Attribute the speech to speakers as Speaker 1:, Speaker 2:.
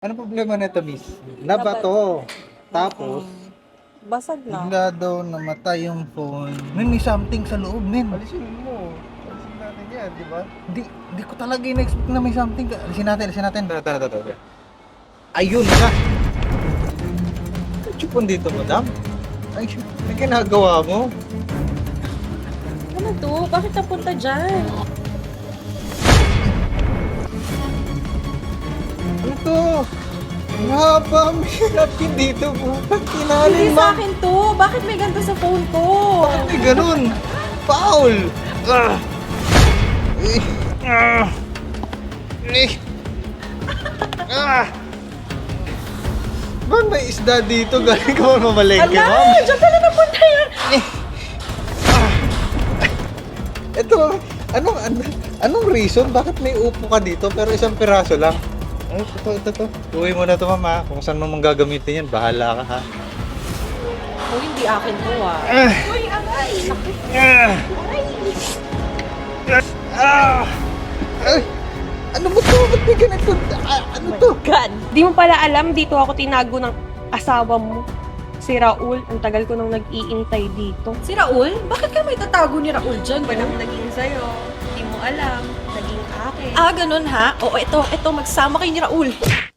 Speaker 1: Ano problema nito, miss? Nabato. Tapos,
Speaker 2: Basag na.
Speaker 1: bigla daw namatay yung phone. May something sa loob, men.
Speaker 3: Alisin mo. Alisin natin yan, di ba?
Speaker 1: Di ko talaga in-expect na may something. Alisin natin. Tara. Ayun na. Chupon dito, madam. Ay, may ginagawa mo.
Speaker 2: Ano to? Bakit napunta dyan?
Speaker 1: Ano to? Mahaba, may napkin dito. Bakit
Speaker 2: Hindi
Speaker 1: kinalin
Speaker 2: sa
Speaker 1: mo?
Speaker 2: akin to. Bakit may ganito sa phone ko?
Speaker 1: Bakit may ganun? Foul! Ah! Eh! Ah! Eh! Ah! Ba't may isda dito? Galing ka ba mamalengke,
Speaker 2: Ala!
Speaker 1: ma'am?
Speaker 2: Diyan pala napunta yun!
Speaker 1: Ito, anong reason? Bakit may upo ka dito pero isang piraso lang? Ay, ito. Uwi mo na to, mama. Kung saan mo gagamitin yan, bahala ka, ha?
Speaker 2: Oh, hindi akin to ah. Uy, agay! Sakit!
Speaker 1: Ay! Ano mo to? Ba't may ganito? Ano to?
Speaker 2: God!
Speaker 4: Di mo pala alam, dito ako tinago ng asawa mo. Si Raul, ang tagal ko nang nag-iintay dito.
Speaker 2: Si Raul? Bakit ka may tatago ni Raul dyan?
Speaker 4: Walang naging sa'yo. Di mo alam, naging akin.
Speaker 2: Ah, ganun ha? Oo, ito, magsama kayo ni Raul.